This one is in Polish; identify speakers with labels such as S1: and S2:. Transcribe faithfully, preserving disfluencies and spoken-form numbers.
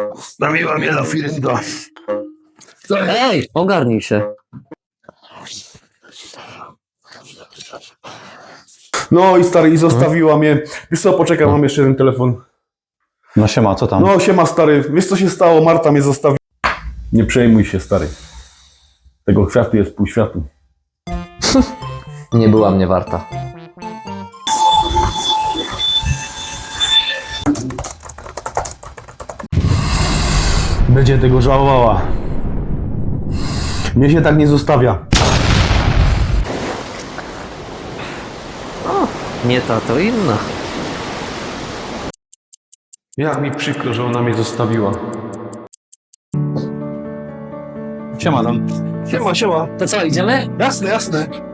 S1: Stawiła mnie lafirynga.
S2: Ej, ogarnij się.
S3: No i stary, i zostawiła mnie. Wiesz co, poczekaj, mam jeszcze jeden telefon.
S4: No siema, co tam?
S3: No siema stary, wiesz co się stało? Marta mnie zostawiła. Nie przejmuj się stary. Tego kwiatu jest pół światu.
S2: Nie była mnie warta.
S3: Będzie tego żałowała. Mnie się tak nie zostawia.
S2: Nie ta, to inna.
S3: Jak mi przykro, że ona mnie zostawiła.
S4: Siema tam.
S1: Siema, siema.
S2: To co, idziemy?
S1: Jasne, jasne.